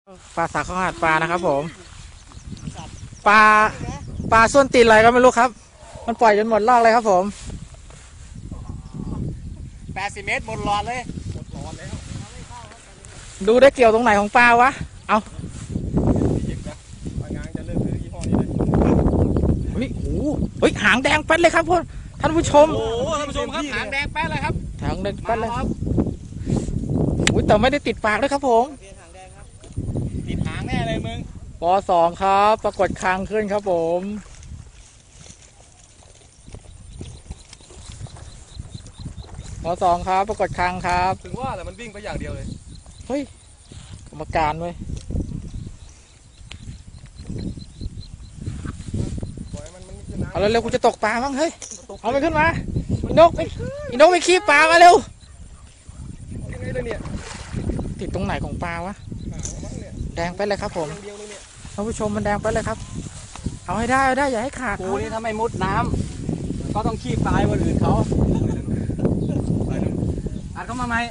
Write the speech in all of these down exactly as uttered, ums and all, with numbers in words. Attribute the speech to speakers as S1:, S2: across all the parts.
S1: ปลาสักข้าวหาดปลานะครับผมปลาปลาส้นตีนอะไรก็ไม่รู้ครับมันปล่อยจนหมดรอบเลยครับผม
S2: แปดสิบเมตรหมดหลอดเลยหมดหลอดแล้ว
S1: ดูได้เกี่ยวตรงไหนของปลาวะเอา
S2: บางงานจะเลิกซื้อยี่ห้อนี้เลย
S1: เฮ้ยโอ้เฮ้ยหางแดงแป๊ดเลยครับพ่อท่านผู้ชม
S2: โอ้ท่านผู้ชมครับหางแดงแป๊ดเลยครับ
S1: หางแดงแป๊ดเลยอุ้ยแต่ไม่ได้ติดปากเลยครับผม
S2: ติดหางแน่เลยมึง
S1: ปอสองครับปรากฏคางขึ้นครับผมปอสองครับปรากฏคางครับ
S2: ถึงว่าแต่มันวิ่งไปอย่างเดียวเลย
S1: เฮ้ยกรรมการเว้ยเอาเร็วๆกูจะตกปลาบ้างเฮ้ยเอาไปขึ้นมาอีนกอีนกไปขี้ปลามาเร็ว
S2: ยังไงเลยเนี่ย
S1: ติดตรงไหนของปลาวะแดงไปเลยครับผมท่านผู้ชมมันแดงไปเลยครับเอาให้ได้เอาได้อย่าให้ขาด
S2: กูนี่ถ้าไม่มุดน้ำก็ต้องขี้ปลายคนอื่นเขาอัดเข้ามาไหม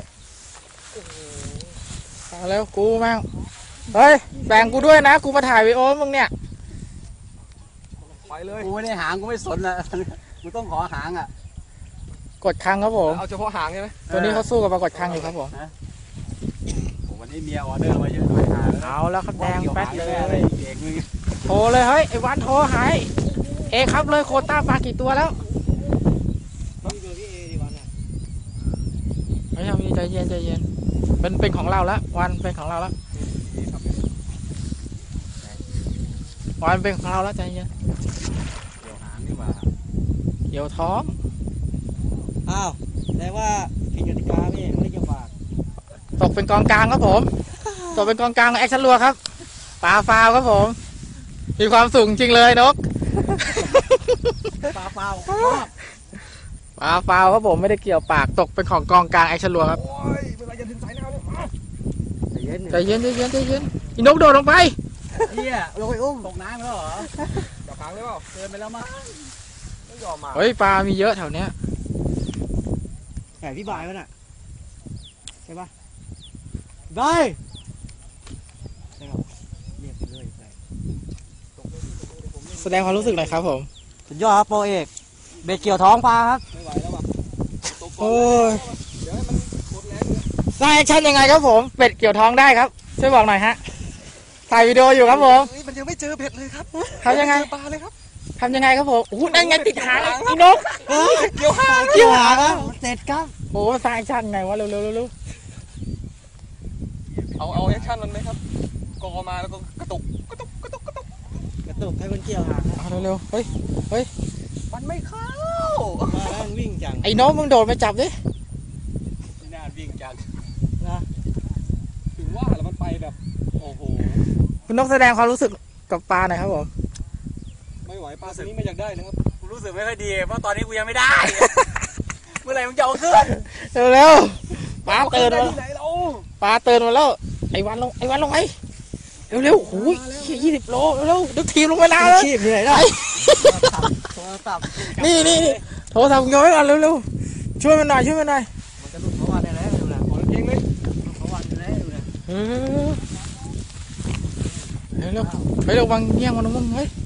S1: เอาแล้วกูมั่งเฮ้ยแบ่งกูด้วยนะกูมาถ่ายวีดีโอมึงเนี่ย
S2: ไปเลยกูไม่ได้หางกูไม่สนนะกูต้องขอหางอ่ะ
S1: กดคังครับผม
S2: เอาเฉพาะหางใช่ไหม
S1: ตัวนี้เขาสู้กับปรากฏคังอยู่ครับผม
S2: วันนี้เมียออเดอร์มาเยอะหน่อย
S1: เอาแล้วครับแดงแป๊ดเลยโทรเลยเฮ้ยไอ้วันโทรหายเอครับเลยโคต้าปลากี่ตัวแล้วไม่ใช่ใจเย็นใจเย็นเป็นเป็นของเราแล้ววันเป็นของเราแล้ววันเป็นของเราแล้วใจเย็น
S2: เดี๋ยวหางดีกว่า
S1: เดี๋ยวท้อง
S2: อ้าวแต่ว่าผิดกติกาพี่ไม่ได้เกี่ยวฝาก
S1: ตกเป็นกองกลางครับผมตกเป็นกองกลางแอคชั่นรัวครับปลาฟาวครับผมมีความสูงจริงเลยนก
S2: ปลาฟาว
S1: ปลาฟาวครับผมไม่ได้เกี่ยวปากตกเป็นของกองกลางแอคชั่นรัวครับ
S2: โอ้ยเวลาจะถึงสายน้ำเลย
S1: ใจเย็นใจเย็นใจเย็นอีนกโดดลงไป
S2: เฮียลงไปอุ้มตกน้ำแล้วเหรอจับหางเลยเปล่าเกินไปแล้วมั้งไม่ยอมมา
S1: เฮ้ยปลามีเยอะแถวเนี้ย
S2: แข่พี่บายมั้ยน่ะใช่ปะได้ใช่ครับเรียกไปเลย
S1: แสดงความรู้สึกหน่อยครับผม
S2: สุดยอดครับโปรเอกเบ็ดเกี่ยวท้องปลาครับไม่ไหวแล้วว่ะ
S1: โอ้ยเดี๋ยวให้มันหมดแรงเลยสร้างแอคชั่นยังไงครับผมเบ็ดเกี่ยวท้องได้ครับช่วยบอกหน่อยฮะถ่ายวิดีโออยู่ครับผม
S2: มันยังไม่เจอเบ็ดเลยครับ
S1: ทำยังไง
S2: ปลาเลยครับ
S1: ทำยังไงครับผมโอ้โหนั่นไงติดหางอีนก
S2: เกี่ยวหางเกี่ยวหางครับเสร็จครับ
S1: โอ้สร้างแอคชั่นไงวะเร็วเร็วเร็ว
S2: เอาเอาแอคชั่นมันไหมครับกอมาแล้วก็กระตุกกระตุกกระตุกกระตุกกระตุกให้มันเกี่ยวหาง
S1: เอาเร็วเร็วเฮ้ยเฮ้ย
S2: มันไม่เข้ามาแล้วมันวิ่งจัง
S1: ไอ้น้องมึงโดดไปจับดิ
S2: ไม่น่าวิ่งจังนะถึงว่าแล้วมันไปแบบโอ้โห
S1: คุณนกแสดงความรู้สึกกับปลาหน่อยครับผม
S2: ไม่ไหวปลาตัวนี้ไม่อยากได้นะครับกูรู้สึกไม่ค่อยดีเพราะตอนนี้กูยังไม่ได้เมื่อไหร่มึงจะเอาขึ้น
S1: เร็วเร็วปลาเตือนมา
S2: ไหนเรา
S1: ปลาเตือนมาแล้วไอ้วันลงไอ้วันลงไอ้เร็วเร็วโอ้ยยี่สิบโลเร็วเร็วดึกทีมลงไปนานแล้ว
S2: ชีพที่ไหนได้โทรศัพท์
S1: นี่นี่นี่โทรศัพท์ย้อยก่อนเร็วเร็วช่วยมันหน่อยช่วยมันหน่อย
S2: มันจะหลุดเขาวันได้แล้วดูนะขอเพียงเลยเขาวันได้แล้วดูนะ
S1: เฮ้ยเร็วเฮ้ยระวังเงี้ยงมันนะมึงเฮ้ย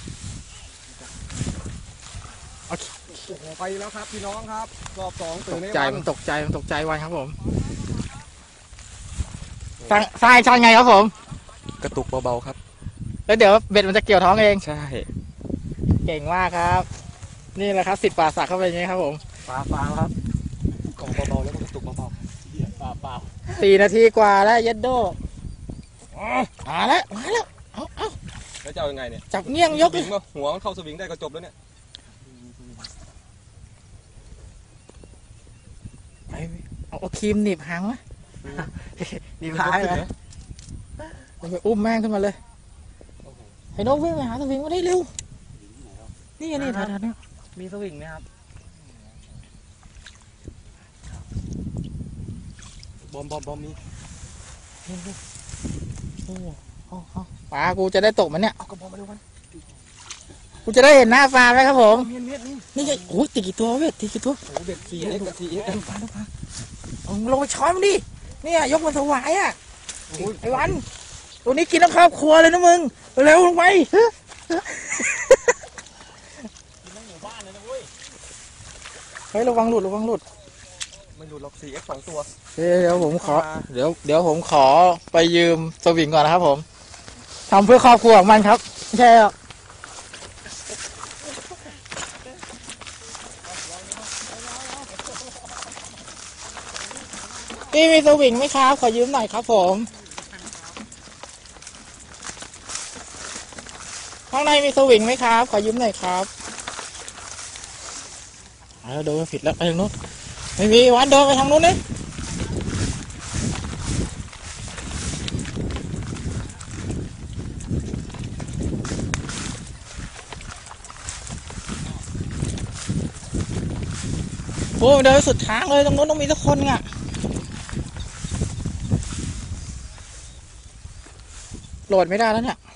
S2: โอ้โหไปแล้วครับพี่น้องครับรอบสองตื่น
S1: ตกใจมันตกใจมันตกใจวันครับผมสร้างสร้างชั้นไงครับผม
S2: กระตุกเบาๆครับ
S1: แล้วเดี๋ยวเบ็ดมันจะเกี่ยวท้องเอง
S2: ใช่
S1: เก่งมากครับนี่แหละครับสิบปลาสักเข้าไปอย่างนี้ครับผม
S2: ปลาฟางครับกล่องเบาๆแล้วก็กระตุกเบาๆปลาเปล่า
S1: สี่นาทีกว่าแล้วยัดโดมาแล้วมาแล้วเอาเอา
S2: แล้วจะเอายังไงเนี่ย
S1: จับเงี้ยงยกเลย
S2: หัวมันเข้าสวิงได้ก็จบแล้วเนี่ย
S1: เอาครีมหนีบหางไหม
S2: หนีบหางเลย
S1: ไปอุ้มแม่งขึ้นมาเลยให้นกวิ่งไปหาสวิงมาได้เร็วนี่นี่ถ่ายถ่ายนี่
S2: มีสวิงไหมครับบอมบอมบอมมี
S1: โอ้โหปลากูจะได้ตกมันเนี่ย
S2: เอากระบอกมาดูมัน
S1: กูจะได้เห็นหน้าปลาไหมครับผม
S2: นี่
S1: ไงโอ้ยติดกี่ตัวเว้ยติดกี่ตัว
S2: โอ้เบ็ดสี่เอ็กซ์สี่เอ็กซ์
S1: ปลาปลาเอาลงไปช้อนมันดิเนี่ยยกมันถวายอ่ะไอ้วันตัวนี้กินทั้งครอบครัวเลยนะมึงเร็วลงไป
S2: กินทั้งหมู่บ้านเลยนะเว้ย
S1: เฮ้ยระวังหลุดระวังหลุด
S2: ไม่หลุดหรอก สี่เอ็กซ์ สองตัว
S1: เดี๋ยวผมขอเดี๋ยวเดี๋ยวผมขอไปยืมสวิงก่อนนะครับผมทำเพื่อครอบครัวของมันครับไม่ใช่หรอกพี่มีสวิงไหมครับขอยืมหน่อยครับผมข้างในมีสวิงไหมครับขอยืมหน่อยครับเอาโดนผิดแล้วไปทางนู้นไม่มีวันเดินไปทางนู้นนี่โอ้เดินสุดทางเลยตรงนู้นต้องมีสักคนอ่ะโหลดไม่ได้แล้วเนี่ย